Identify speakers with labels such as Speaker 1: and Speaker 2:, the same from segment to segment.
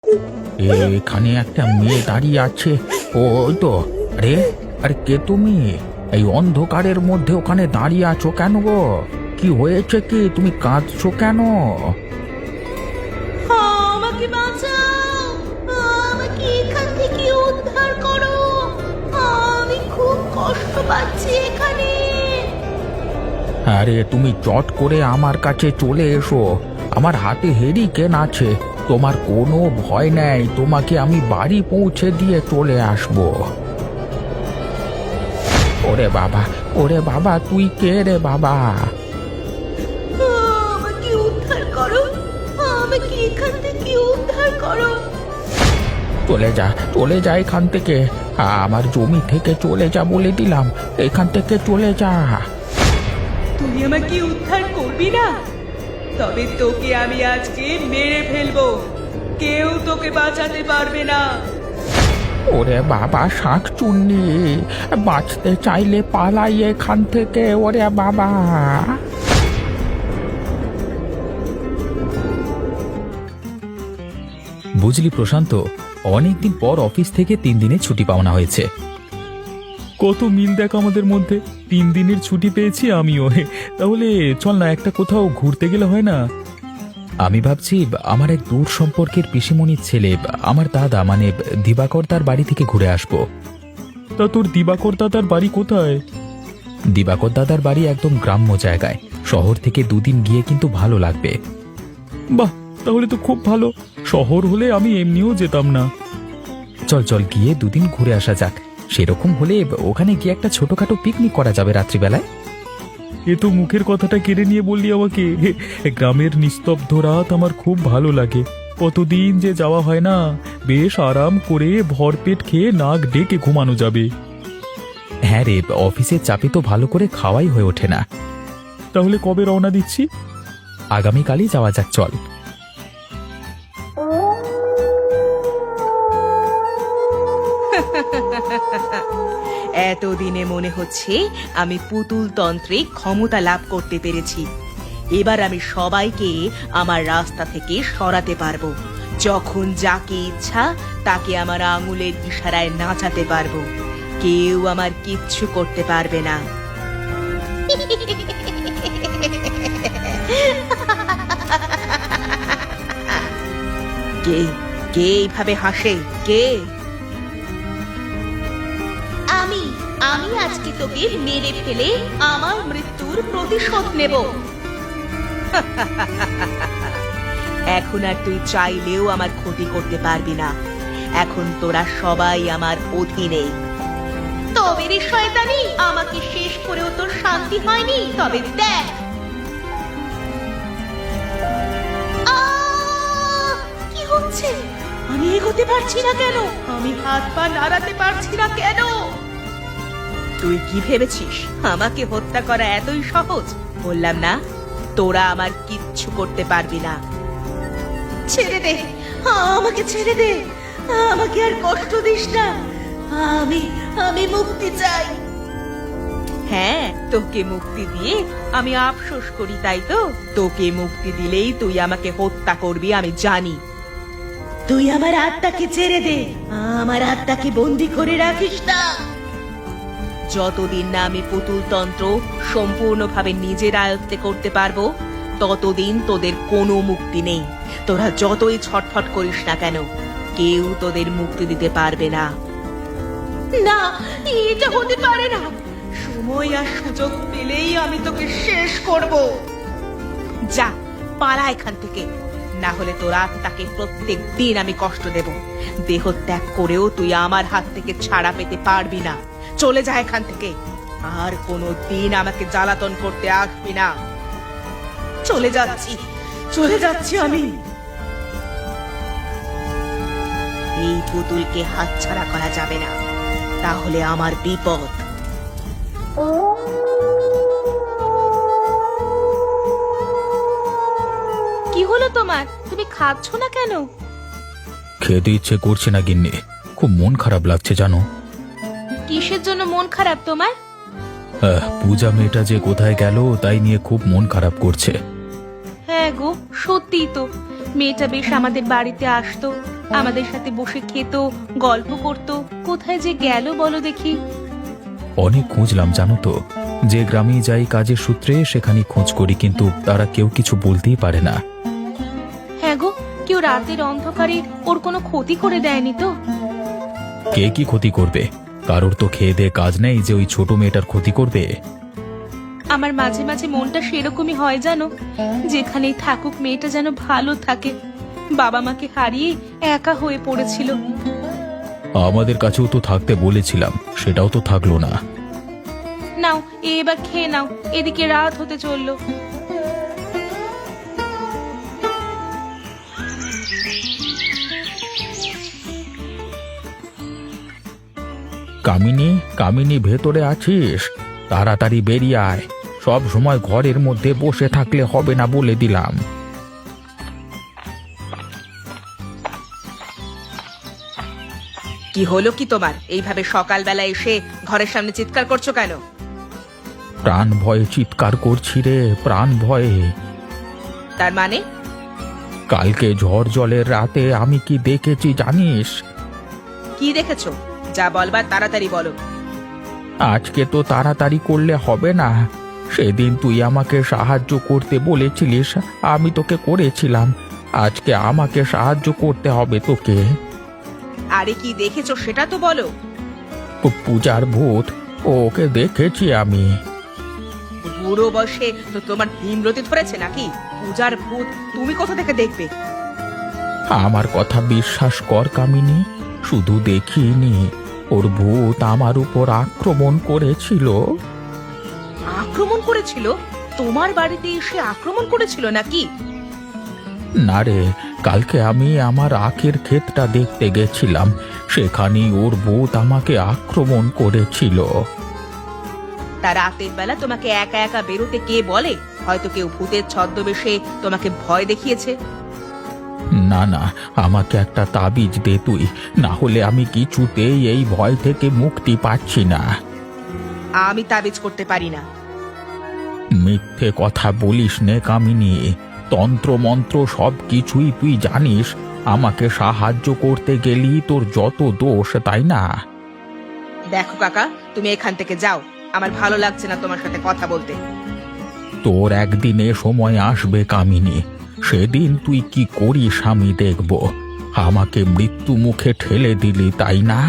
Speaker 1: এখানে একটা মেয়ে দাঁড়িয়ে আছে। ও তো, আরে আরে কে তুমি? এই অন্ধকারের মধ্যে ওখানে দাঁড়িয়ে আছো কেন গো? কি হয়েছে কি? তুমি কাঁদছো কেন?
Speaker 2: আমাকে বাঁচাও, আমাকে এখান থেকে উদ্ধার করো, আমি খুব কষ্ট পাচ্ছি এখানে।
Speaker 1: আরে তুমি চট করে আমার কাছে চলে এসো। আমার হাতে হেরিকেন আছে, তোমার কোনো ভয় নেই। তোমাকে আমি বাড়ি পৌঁছে দিয়ে চলে আসবো। ওরে বাবা তুই কে রে বাবা?
Speaker 2: আমাকে উদ্ধার করো, আমাকে এখান থেকে উদ্ধার করো।
Speaker 1: চলে যা এখান থেকে। আমার জমি থেকে চলে যা বলে দিলাম। এখান থেকে চলে যা।
Speaker 2: তুই আমাকে উদ্ধার করবি না? তবে তোকে আমি আজকে মেরে ফেলবো, কেউ তোকে বাঁচাতে পারবে না।
Speaker 1: ওরে বাবা শাঁকচুন্নি, বাঁচতে চাইলে পালাই এখান থেকে। ওরে বাবা!
Speaker 3: বুঝলি প্রশান্ত, অনেকদিন পর অফিস থেকে 3 দিনের ছুটি পাওনা হয়েছে। কত মিল দেখ আমাদের মধ্যে। 3 দিনের ছুটি পেয়েছি আমিও। তাহলে চল না, একটা কোথাও ঘুরতে গেলে হয় না? আমি ভাবছি আমার এক দূর সম্পর্কের পিসিমণির ছেলে, আমার দাদা মানে দিবাকর, তার বাড়ি থেকে ঘুরে আসবো। তা তোর দিবাকর দাদার বাড়ি কোথায়? দিবাকর দাদার বাড়ি একদম গ্রাম্য জায়গায়। শহর থেকে 2 দিন গিয়ে কিন্তু ভালো লাগবে। বাহ, তাহলে তো খুব ভালো। শহর হলে আমি এমনিও যেতাম না। চল চল গিয়ে 2 দিন ঘুরে আসা যাক। সেরকম হলে ওখানে গিয়ে একটা ছোটখাটো পিকনিক করা যাবে রাত্রিবেলায়। এ তো মুখের কথাটা কেড়ে নিয়ে বললি আমাকে। গ্রামের নিস্তব্ধ রাত আমার খুব ভালো লাগে। কতদিন যে যাওয়া হয় না। বেশ আরাম করে ভরপেট খেয়ে নাক ডেকে ঘুমানো যাবে। হ্যাঁ রে, অফিসের চাপে তো ভালো করে খাওয়াই হয়ে ওঠে না। তাহলে কবে রওনা দিচ্ছি? আগামীকালই যাওয়া যাক, চল।
Speaker 2: এতদিনে মনে হচ্ছে আমি পুতুল তন্ত্রে ক্ষমতা লাভ করতে পেরেছি। এবার আমি সবাইকে আমার রাস্তা থেকে সরাতে পারবো। যখন যাকে ইচ্ছা তাকে আমার আঙুলের ইশারায় নাচাতে পারবো। কেউ আমার কিচ্ছু করতে পারবে না। কে কে এইভাবে হাসে? কে? আমি আমি আজকে তোকে মেরে ফেলে আমার মৃত্যুর প্রতিশোধ নেব। এখন আর তুই চাইলেও আমার ক্ষতি করতে পারবি না। এখন তোরা সবাই আমার অধীনে। তবে রে শয়তানি, আমাকে শেষ করেও তোর শান্তি হয়নি? তবে দেখ। কি হচ্ছে? আমি এগোতে পারছি না কেন? আমি হাত পা নাড়াতে পারছি না কেন? তুই কি ভেবেছিস আমাকে হত্যা করা এতই সহজ? বললাম না, তোরা আমার কিচ্ছু করতে পারবি না। ছেড়ে দে, আমাকে ছেড়ে দে। আমাকে আর কষ্ট দিস না। আমি আমি মুক্তি চাই। হ্যাঁ, তোকে মুক্তি দিয়ে আমি আফসোস করি, তাই তো? তোকে মুক্তি দিলেই তুই আমাকে হত্যা করবি আমি জানি। তুই আমার আত্মাকে ছেড়ে দে, আমার আত্মাকে বন্দি করে রাখিস না। যতদিন না আমি পুতুল তন্ত্র সম্পূর্ণভাবে নিজের আয়ত্তে করতে পারবো, ততদিন তোদের কোনো মুক্তি নেই। তোরা যতই ছটফট করিস না কেন, কেউ তোদের মুক্তি দিতে পারবে না। না, এটা হতে পারে না। সময় আর সুযোগ পেলেই আমি তোকে শেষ করব। যা, পালা এখান থেকে। না হলে তোর আত্মাকে প্রত্যেক দিন আমি কষ্ট দেব। দেহ ত্যাগ করেও তুই আমার হাত থেকে ছাড়া পেতে পারবি না। চলে যা এখান থেকে। আর কোনো দিন আমাকে জ্বালাতন করতে আসবি না। চলে যাচ্ছি আমি। এই পুতুলকে হাতছাড়া করা যাবে না, তাহলে আমার বিপদ। কি হলো তোমার? তুমি খাচ্ছ না কেন?
Speaker 3: খেতে ইচ্ছে করছে না গিন্নি, খুব মন খারাপ লাগছে জানো।
Speaker 2: কিসের জন্য মন খারাপ তোমার?
Speaker 3: পূজা মেয়েটা যে কোথায় গেল তাই নিয়ে খুব মন খারাপ করছে।
Speaker 2: হ্যাঁ গো, সত্যিই তো। মেয়েটা বেশ আমাদের বাড়িতে আসতো, আমাদের সাথে বসে খেত, গল্প করত। কোথায় যে গেল বলো দেখি।
Speaker 3: অনেক খুঁজলাম জানো তো, যে গ্রামেই যাই কাজের সূত্রে সেখানেই খোঁজ করি, কিন্তু তারা কেউ কিছু বলতেই পারে না।
Speaker 2: হ্যাঁ গো, কেউ রাতের অন্ধকারে ওর কোনো ক্ষতি করে দেয়নি তো?
Speaker 3: কে কি ক্ষতি করবে? কারোর তো খেয়ে দেয়ে কাজ নেই যে ওই ছোট মেয়েটার ক্ষতি করবে।
Speaker 2: আমার মাঝে মাঝে মনটা সেরকমই হয় জানো, যেখানেই থাকুক মেয়েটা যেন ভালো থাকে। বাবা মাকে হারিয়ে একা হয়ে পড়েছিল।
Speaker 3: আমাদের কাছেও তো থাকতে বলেছিলাম, সেটাও তো থাকলো না।
Speaker 2: নাও এবার খেয়ে নাও, এদিকে রাত হতে চললো।
Speaker 1: কামিনী, কামিনী ভেতরে আছিস? তাড়াতাড়ি বেরিয়ে আয়। সব সময় ঘরের মধ্যে বসে থাকলে হবে না বলে দিলাম।
Speaker 2: কি হলো কি তোমার? এইভাবে সকালবেলা এসে ঘরের সামনে চিৎকার করছো কেন?
Speaker 1: প্রাণ ভয়ে চিৎকার করছি রে, প্রাণ ভয়ে।
Speaker 2: তার মানে?
Speaker 1: কালকে ঝড় জলের রাতে আমি কি দেখেছি জানিস?
Speaker 2: কি দেখেছো? যা বলবার তাড়াতাড়ি বলো।
Speaker 1: আজকে তো তাড়াতাড়ি করলে হবে না। সেদিন তুই আমাকে সাহায্য করতে বলেছিলিস, আমি তোকে করেছিলাম। আজকে আমাকে সাহায্য করতে হবে তোকে।
Speaker 2: আরে কি দেখেছো সেটা তো বলো।
Speaker 1: পূজার ভূত, ওকে দেখেছি আমি।
Speaker 2: বুড়ো বয়সে তো তোমার ভীমরতি ধরেছে নাকি? পূজার ভূত তুমি কোথা থেকে দেখবে?
Speaker 1: আমার কথা বিশ্বাস কর কামিনী, শুধু দেখিনি, ওর ভূত আমার উপর আক্রমণ করেছিল।
Speaker 2: আক্রমণ করেছিল? তোমার বাড়িতে এসে আক্রমণ করেছিল নাকি?
Speaker 1: না রে, কালকে আমি আমার আখের ক্ষেতটা দেখতে গেছিলাম, সেখানেই ওর ভূত আমাকে আক্রমণ করেছিল।
Speaker 2: তার রাতের বেলা তোমাকে একা একা বেরোতে কে বলে? হয়তো কেউ ভূতের ছদ্মবেশে তোমাকে ভয় দেখিয়েছে।
Speaker 1: না না, আমাকে একটা তাবিজ দে তুই, না হলে আমি কিছুতেই এই ভয় থেকে মুক্তি পাচ্ছি না।
Speaker 2: আমি তাবিজ করতে পারি না।
Speaker 1: মিথ্যে কথা বলিস নে কামিনী, তন্ত্র মন্ত্র সব কিছুই তুই জানিস। আমাকে সাহায্য করতে গেলি তোর যত দোষ, তাই না?
Speaker 2: দেখো কাকা, তুমি এখান থেকে যাও, আমার ভালো লাগছে না তোমার সাথে কথা বলতে।
Speaker 1: তোর একদিনে সময় আসবে কামিনী, সেদিন তুই কি করিস আমি দেখব। আমাকে মৃত্যু মুখে ঠেলে দিলি, তাই না?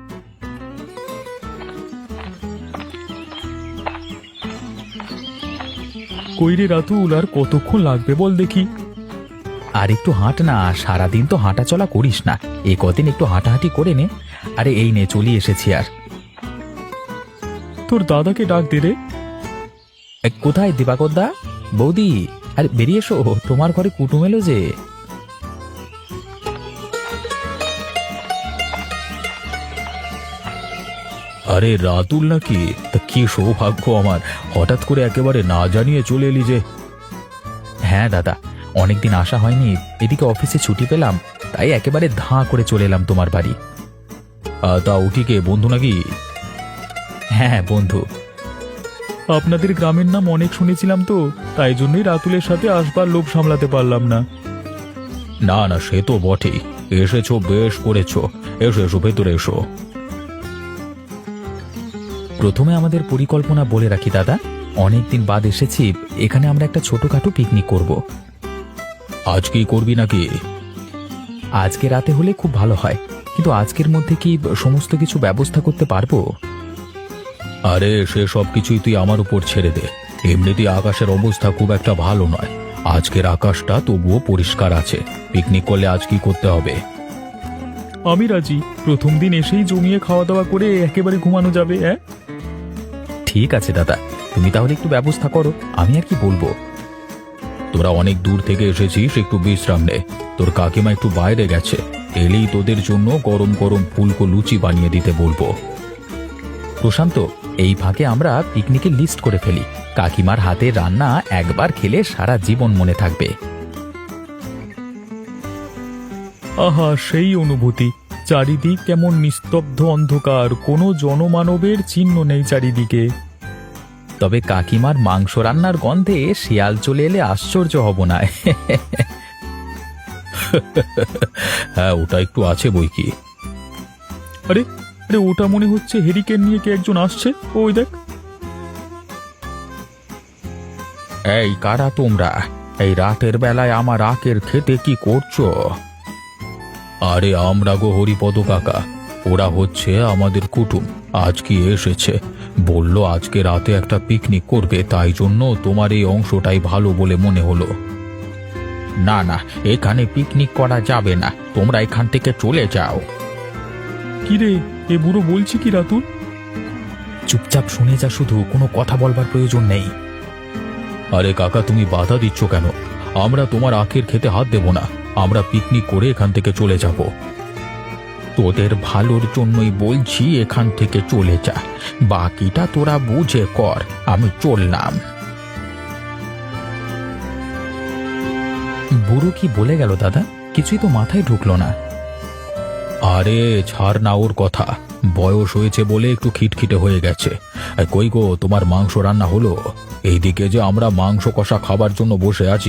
Speaker 3: কইরে রাতুল, আর কতক্ষণ লাগবে বল দেখি? আর একটু হাঁট না, সারাদিন তো হাঁটা চলা করিস না, এই কদিন একটু হাঁটাহাঁটি করে নে। আরে এই নে, চলে এসেছি। আর তোর দাদাকে ডাক দে রে। কোথায় দিবাকর দা? বৌদি, আরে বেরিয়ে এসো, তোমার ঘরে কুটুম এলো যে। আরে রাতুল নাকি? তা কি সৌভাগ্য আমার, হঠাৎ করে একেবারে না জানিয়ে চলে এলি যে। হ্যাঁ দাদা, অনেকদিন আসা হয়নি, এদিকে অফিসে ছুটি পেলাম, তাই একেবারে ধাঁ করে চলে এলাম তোমার বাড়ি। তা উঠিকে বন্ধু নাকি? হ্যাঁ বন্ধু। আপনাদের গ্রামের নাম অনেক শুনেছিলাম তো, তাই জন্যই রাতুলের সাথে আসবার লোভ সামলাতে পারলাম না। না না, সে তো বটেই, এসেছো বেশ করেছো। এসো এসো, ভেতরে এসো। প্রথমে আমাদের পরিকল্পনা বলে রাখি দাদা, অনেকদিন বাদ এসেছি, এখানে আমরা একটা ছোটখাটো পিকনিক করব। আজকেই করবি নাকি? আজকে রাতে হলে খুব ভালো হয়, কিন্তু আজকের মধ্যে কি সমস্ত কিছু ব্যবস্থা করতে পারবো? আরে সে সব কিছুই তুই আমার উপর ছেড়ে দে। এমনিতেই আকাশের অবস্থা খুব একটা ভালো নয়, আজকের আকাশটা তবুও পরিষ্কার আছে। পিকনিক করলে আজ কি করতে হবে? আমি রাজি, প্রথম দিন এসেই জমিয়ে খাওয়া দাওয়া করে একেবারে ঘুমানো যাবে। হ্যাঁ ঠিক আছে দাদা, তুমি তাহলে একটু ব্যবস্থা করো, আমি আর কি বলবো। তোরা অনেক দূর থেকে এসেছিস, একটু বিশ্রাম নে। তোর কাকিমা একটু বাইরে গেছে, এলেই তোদের জন্য গরম গরম ফুলকো লুচি বানিয়ে দিতে বলবো। প্রশান্ত, এই ফাঁকে আমরা পিকনিকের লিস্ট করে ফেলি, কাকিমার হাতে রান্না একবার খেলে সারা জীবন মনে থাকবে। আহা, সেই অনুভূতি, চারিদিক কেমন নিস্তব্ধ অন্ধকার, কোনো জনমানবের চিহ্ন নেই চারিদিকে। তবে কাকিমার মাংস রান্নার গন্ধে শিয়াল চলে এলে আশ্চর্য হব না। হ্যাঁ, ওটা একটু আছে বই কি। আরে আরে, ওটা মনে হচ্ছে হেরিকেন নিয়ে কে একজন আসছে, ওই দেখ।
Speaker 1: এই কারা তোমরা? এই রাতের বেলায় আমার আখের খেতে কি করছো?
Speaker 3: আরে আমরা গো হরিপদ কাকা, ওরা হচ্ছে আমাদের কুটুম। আজকে এসেছে, বলল আজকে রাতে একটা পিকনিক করবে, তাই জন্য তোমার এই অংশটাই ভালো বলে মনে হলো।
Speaker 1: না না, এখানে পিকনিক করা যাবে না, তোমরা এখান থেকে চলে যাও।
Speaker 3: কিরে, এ বুড়ো বলছি কি রাতুল? চুপচাপ শুনে যা, শুধু কোনো কথা বলবার প্রয়োজন নেই। আরে কাকা, তুমি বাধা দিচ্ছ কেন? আমরা তোমার আখের খেতে হাত দেব না, আমরা পিকনিক করে এখান থেকে চলে যাব।
Speaker 1: তোদের ভালোর জন্যই বলছি, এখান থেকে চলে যা, বাকিটা তোরা বুঝে কর। আমি চললাম।
Speaker 3: বুড়ো কি বলে গেল দাদা? কিছুই তো মাথায় ঢুকলো না। আরে ছাড় না ওর কথা, বয়স হয়েছে বলে একটু খিটখিটে হয়ে গেছে। কই গো, তোমার মাংস রান্না হলো? এইদিকে যে আমরা মাংস কষা খাবার জন্য বসে আছি।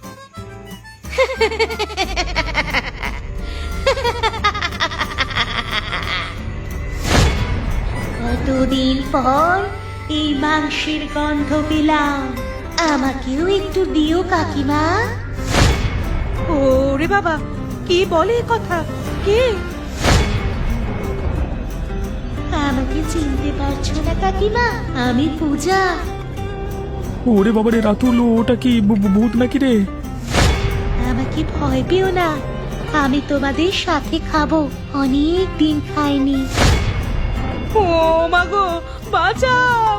Speaker 2: কতদিন পর এই মাংসের গন্ধ পেলাম, আমাকেও একটু দিও কাকিমা। ওরে বাবা, কে বলে এ কথা? কে? আমাকে চিনতে পারছো না কাকিমা? আমি পূজা।
Speaker 3: ওরে বাবারে রাতুল, ওটা কি ভূত নাকি রে?
Speaker 2: আমাকে ভয় পেও না, আমি তোমাদের সাথে খাবো, অনেক দিন খাইনি। ও মাগো, বাঁচাও!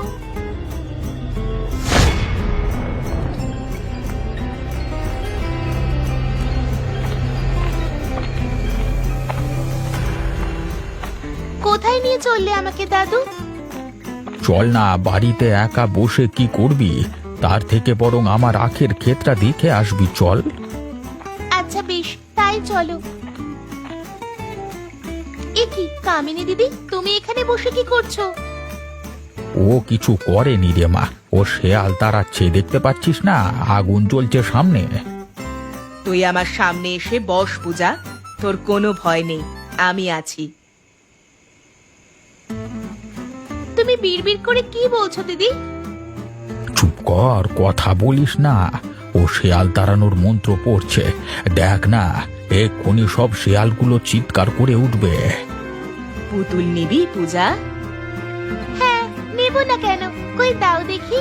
Speaker 2: কোথায় নিয়ে চললে আমাকে দাদু?
Speaker 1: চল না, বাড়িতে একা বসে কি করবি? তার থেকে বরং আমার আখের ক্ষেতটা দেখে আসবি, চল।
Speaker 2: আচ্ছা বেশ, তাই চলো। এ কি কামিনী দিদি, তুমি এখানে বসে কি করছো?
Speaker 1: ও কিছু করেনি রে মা, ও শেয়াল তাড়াচ্ছে, দেখতে পাচ্ছিস না আগুন জ্বলছে সামনে।
Speaker 2: তুই আমার সামনে এসে বস পূজা, তোর কোনো ভয় নেই, আমি আছি। তুমি বিড়বিড় করে কি বলছো দিদি?
Speaker 1: চুপ কর, কথা বলিস না। ও শেয়াল তাড়ানোর মন্ত্র পড়ছে, দেখ না, এক্ষুনি সব শেয়ালগুলো চিৎকার করে উঠবে।
Speaker 2: পুতুল নিবি পূজা? হ্যাঁ, নেব না কেন, কই দাও দেখি।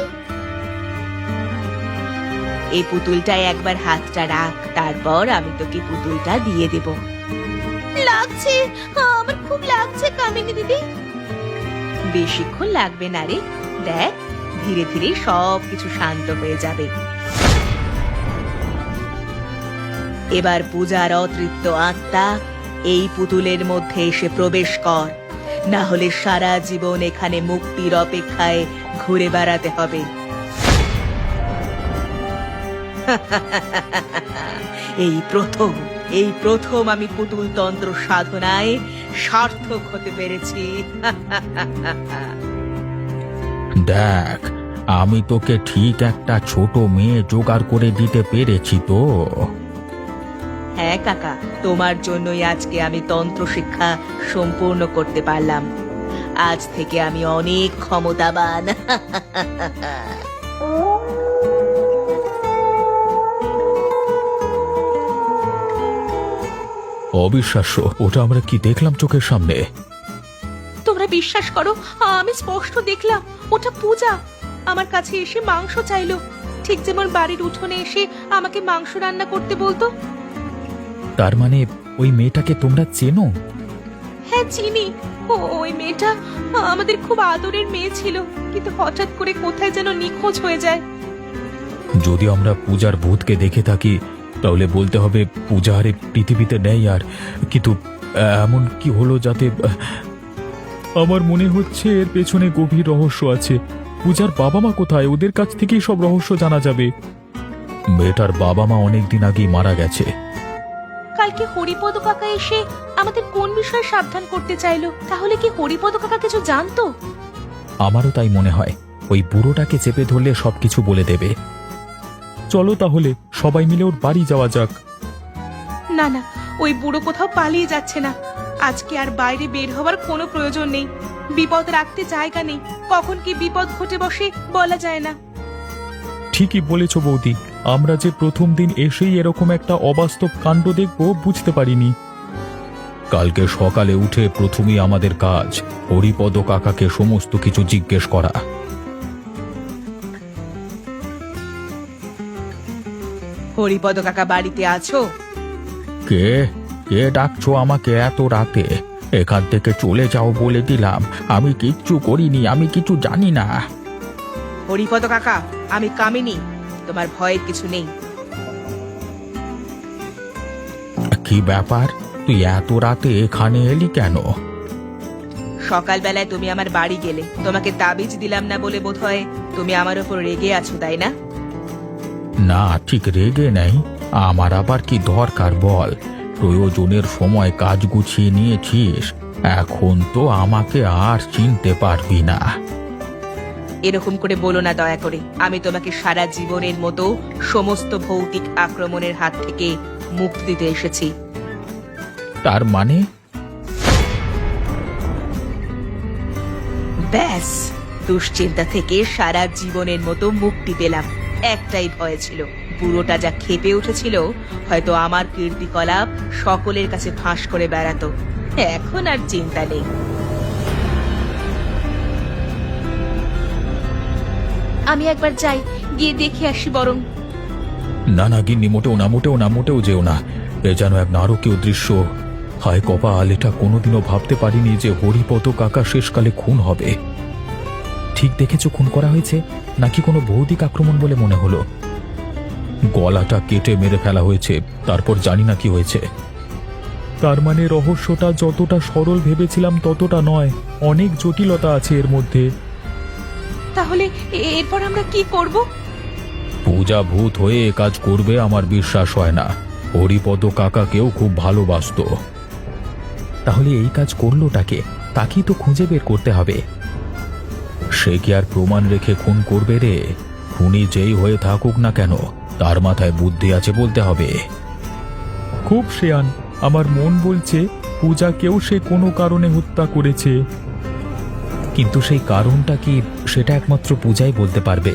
Speaker 2: এই পুতুলটায় একবার হাতটা রাখ, তারপর আমি তোকে পুতুলটা দিয়ে দেব। লাগছে, আমার খুব লাগছে কামিনী দিদি। বেশিক্ষণ লাগবে না রে, দেখ ধীরে ধীরে সব কিছু শান্ত হয়ে যাবে। এবার পূজার অতৃপ্ত আত্মা এই পুতুলের মধ্যে এসে প্রবেশ কর, না হলে সারা জীবন এখানে মুক্তির অপেক্ষায় ঘুরে বেড়াতে হবে। এই প্রথম আমি পুতুল তন্ত্র সাধনায় সার্থক হতে পেরেছি।
Speaker 1: দেখ, আমি তোকে ঠিক একটা ছোট মেয়ে জোগাড় করে দিতে পেরেছি তো।
Speaker 2: হ্যাঁ কাকা, তোমার জন্যই আজকে আমি তন্ত্র শিক্ষা সম্পূর্ণ করতে পারলাম। আজ থেকে আমি অনেক ক্ষমতাবান।
Speaker 3: অবিশ্বাস্য, ওটা আমরা কি দেখলাম চোখের সামনে।
Speaker 2: তোমরা বিশ্বাস করো, আমি স্পষ্ট দেখলাম ওটা পূজা আমার কাছে এসে মাংস চাইলো, ঠিক যেমন বাড়ির উঠোনে এসে আমাকে মাংস রান্না করতে বলতো।
Speaker 3: তার মানে ওই মেয়েটাকে তোমরা চেনো?
Speaker 2: হ্যাঁ চিনি, ওই মেয়েটা আমাদের খুব আদরের মেয়ে ছিল, কিন্তু হঠাৎ করে কোথায় যেন নিখোঁজ হয়ে যায়।
Speaker 3: যদি আমরা পূজার ভূতকে দেখে থাকি, তাহলে বলতে হবে পূজা আর এই পৃথিবীতে নেই। আর কিন্তু এমন কি হলো যাতে, আমার মনে হচ্ছে এর পেছনে গভীর রহস্য আছে। পূজার বাবা মা কোথায়? ওদের কাছ থেকেই সব রহস্য জানা যাবে। মেয়েটার বাবা মা অনেকদিন আগেই মারা গেছে।
Speaker 2: কালকে হরিপদ কাকা এসে আমাদের কোন বিষয়ে সাবধান করতে চাইলো? তাহলে কি হরিপদ কাকা কিছু জানতো?
Speaker 3: আমারও তাই মনে হয়, ওই বুড়োটাকে চেপে ধরলে সবকিছু বলে দেবে। চলো তাহলে সবাই মিলে ওর বাড়ি যাওয়া যাক।
Speaker 2: না না, ওই বুড়ো কোথাও পালিয়ে যাচ্ছে না। আজকে আর বাইরে বের হওয়ার কোনো প্রয়োজন নেই। বিপদ রাখতে জায়গা নেই, কখন কি বিপদ ঘটে বসে বলা যায় না।
Speaker 3: ঠিকই বলেছ বৌদি, আমরা যে প্রথম দিন এসেই এরকম একটা অবাস্তব কাণ্ড দেখব বুঝতে পারিনি। কালকে সকালে উঠে প্রথমেই আমাদের কাজ হরিপদ কাকাকে সমস্ত কিছু জিজ্ঞেস করা।
Speaker 2: হরিপদ কাকা বাড়িতে আছো?
Speaker 1: কে কে ডাকছো আমাকে এত রাতে? এখান থেকে চলে যাও বলে দিলাম। আমি কিচ্ছু করিনি, আমি কিছু জানি না।
Speaker 2: হরিপদ কাকা, আমি কামিনী, তোমার ভয়ের কিছু নেই।
Speaker 1: কি ব্যাপার, তুই এত রাতে এখানে এলি কেন?
Speaker 2: সকালবেলায় তুমি আমার বাড়ি গেলে, তোমাকে তাবিজ দিলাম না বলে বোধহয় তুমি আমার উপর রেগে আছো, তাই না?
Speaker 1: না, ঠিক রেগে নেই। আমার আবার কি দরকার বল? প্রয়োজনের সময় কাজ গুছিয়ে নিয়েছিস, এখন তো আমাকে আর চিনতে পারবি না।
Speaker 2: এরকম করে বলো না দয়া করে। আমি তোমাকে সারা জীবনের মতো সমস্ত ভৌতিক আক্রমণের হাত থেকে মুক্তি দিতে এসেছি।
Speaker 1: তার মানে?
Speaker 2: ব্যাস, দুশ্চিন্তা থেকে সারা জীবনের মতো মুক্তি পেলাম। একটাই ভয় ছিল, বুড়োটা যা ক্ষেপে উঠেছিল, হয়তো আমার কীর্তিকলাপ সকলের কাছে ফাঁস করে বেড়াতো। এখন আর চিন্তা নেই। আমি একবার যাই, গিয়ে দেখে আসি বরং।
Speaker 3: না না গিন্নি, মোটেও না, মোটেও না, মোটেও যেও না। এ যেন এক নারকীয় দৃশ্য। হায় কপাল, এটা কোনোদিনও ভাবতে পারিনি যে হরিপদ কাকা শেষকালে খুন হবে। ঠিক দেখেছো খুন করা হয়েছে নাকি কোনো ভৌতিক আক্রমণ বলে মনে হলো? গলাটা কেটে মেরে ফেলা হয়েছে, তারপর জানি না কি হয়েছে। তার মানে রহস্যটা যতটা সরল ভেবেছিলাম ততটা নয়, অনেক জটিলতা আছে এর মধ্যে।
Speaker 2: তাহলে এরপর আমরা কি করব?
Speaker 3: পূজা ভূত হয়ে এ কাজ করবে আমার বিশ্বাস হয় না। হরিপদ কাকাকেও খুব ভালোবাসতো। তাহলে এই কাজ করলোটাকে? তাকেই তো খুঁজে বের করতে হবে। সে কি আর প্রমাণ রেখে খুন করবে রে? খুনি যেই হয়ে থাকুক না কেন, তার মাথায় বুদ্ধি আছে বলতে হবে। খুব শেয়ান, আমার মন বলছে পূজাকেও সে কোনো কারণে হত্যা করেছে। কিন্তু সেই কারণটা কি, সেটা একমাত্র পূজাই বলতে পারবে।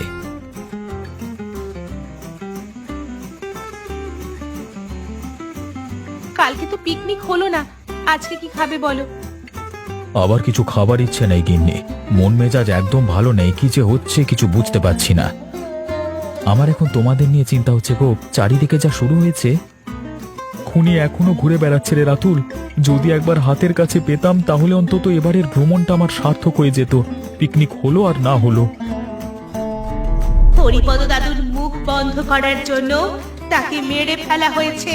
Speaker 2: কালকে তো পিকনিক হলো না, আজকে কি খাবে বলো?
Speaker 3: আবার কিছু খাবার ইচ্ছে নেই গিন্নি, মন মেজাজ একদম ভালো নেই। কি যে হচ্ছে কিছু বুঝতে পারছি না। আমার এখন তোমাদের নিয়ে চিন্তা হচ্ছে গো, চারিদিকে যা শুরু হয়েছে। খুনি এখনো ঘুরে বেড়াচ্ছে রে রাতুল। যদি একবার হাতের কাছে পেতাম তাহলে অন্তত এবারের ভ্রমণটা আমার সার্থক হয়ে যেত, পিকনিক হলো আর না হলো।
Speaker 2: হরিপদ দাদুর মুখ বন্ধ করার জন্য তাকে মেরে ফেলা হয়েছে।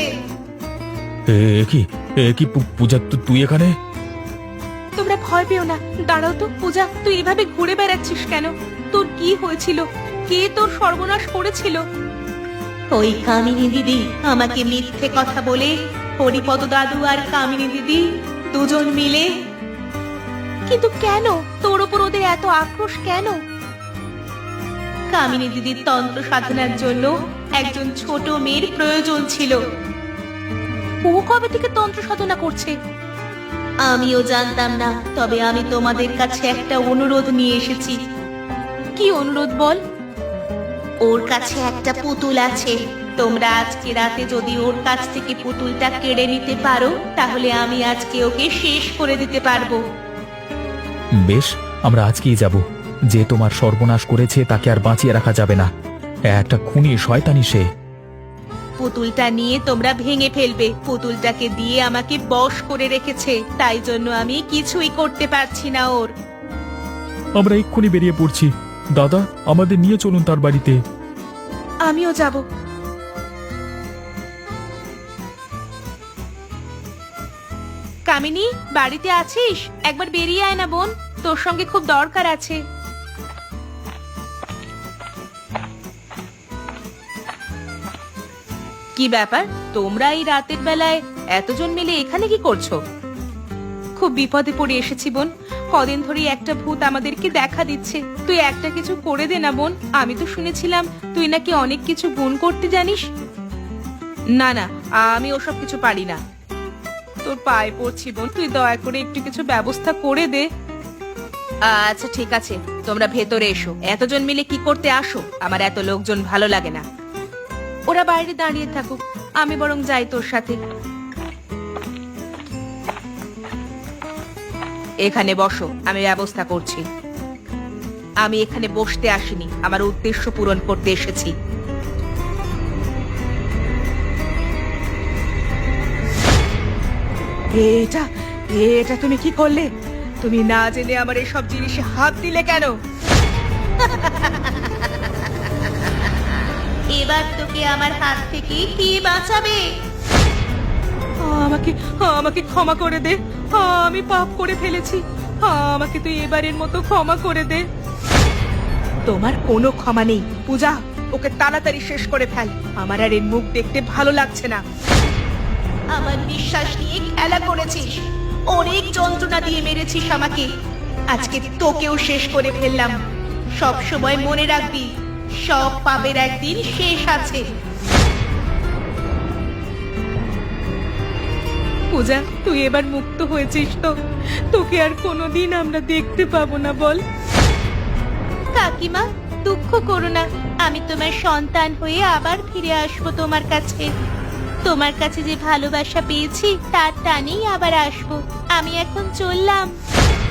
Speaker 3: এ কি পূজা, তুই এখানে?
Speaker 2: তোমরা ভয় পেও না, দাঁড়াও তো। পূজা, তুই এভাবে ঘুরে বেড়াচ্ছিস কেন? তোর কি হয়েছিল? কে তোর সর্বনাশ করেছিল? ওই কামিনী দিদি আমাকে মিথ্যে কথা বলে হরিপদ দাদু আর কামিনী দিদি দুজন মিলে। কিন্তু কেন তোর উপর ওদের এত আক্রোশ কেন? কামিনী দিদির তন্ত্র সাধনার জন্য একজন ছোট মেয়ের প্রয়োজন ছিল। ও কবে থেকে তন্ত্র সাধনা করছে? আমিও জানতাম না, তবে আমি তোমাদের কাছে একটা অনুরোধ নিয়ে এসেছি। কি অনুরোধ বল? ওর কাছে একটা পুতুল আছে, তোমরা আজকে রাতে যদি ওর কাছ থেকে পুতুলটা কেড়ে নিতে পারো, তাহলে আমি আজকে ওকে শেষ করে দিতে পারবো।
Speaker 3: বেশ, আমরা আজকেই যাব। যে তোমার সর্বনাশ করেছে তাকে আর বাঁচিয়ে রাখা যাবে না। একটা খুনি শয়তানি সে।
Speaker 2: পুতুলটা নিয়ে তোমরা ভেঙে ফেলবে। পুতুলটাকে দিয়ে আমাকে বশ করে রেখেছে, তাই জন্য আমি কিছুই করতে পারছি না ওর।
Speaker 3: আমরা এক্ষুনি বেরিয়ে পড়ছি। দাদা, আমাদের নিয়ে চলুন তার বাড়িতে।
Speaker 2: আমিও যাব। কামিনী, বাড়িতে আছিস? একবার বেরিয়ে আয় না বোন, তোর সঙ্গে খুব দরকার আছে। কি ব্যাপার, তোমরা এই রাতের বেলায় এতজন মিলে এখানে কি করছো? খুব বিপদে পড়ে এসেছি বোন। কদিন ধরে একটা ভূত আমাদেরকে দেখা দিচ্ছে। তুই একটা কিছু করে দে না বোন। আমি তো শুনেছিলাম তুই নাকি অনেক কিছু গুণ করতে জানিস। না না, আমি ওসব কিছু পারি না। তোর পায়ে পড়ছি বোন, তুই দয়া করে একটু কিছু ব্যবস্থা করে দে। আচ্ছা ঠিক আছে, তোমরা ভেতরে এসো। এতজন মিলে কি করতে আসো? আমার এত লোকজন ভালো লাগে না। ওরা বাইরে দাঁড়িয়ে থাকুক, আমি বরং যাই তোর সাথে। এখানে বসো, আমি ব্যবস্থা করছি। আমি এখানে বসতে আসিনি, আমার উদ্দেশ্য পূরণ করতে এসেছি। এটা এটা তুমি কি করলে? তুমি না জেনে আমার এসব জিনিসে হাত দিলে কেন? এবার তোকে আমার হাত থেকে কি বাঁচাবে? আমাকে আমাকে ক্ষমা করে দে, আমি পাপ করে ফেলেছি। আমাকে তুই এবারের মতো ক্ষমা করে দে। তোমার কোনো ক্ষমা নেই পূজা, ওকে তাড়াতাড়ি শেষ করে ফেল। আমার আর এর মুখ দেখতে ভালো লাগছে না। আমার বিশ্বাস নিয়ে খেলা করেছিস, অনেক যন্ত্রণা দিয়ে মেরেছিস আমাকে। আজকে তোকেও শেষ করে ফেললাম। সব সময় মনে রাখবি, সব পাপের একদিন শেষ আছে। পূজা, তুই এবার মুক্ত হয়েছিস তো? তোকে আর কোনোদিন আমরা দেখতে পাবো না বল? কাকিমা, দুঃখ করো না, আমি তোমার সন্তান হয়ে আবার ফিরে আসবো তোমার কাছে। তোমার কাছে যে ভালোবাসা পেয়েছি তার টানেই আবার আসবো। আমি এখন চললাম।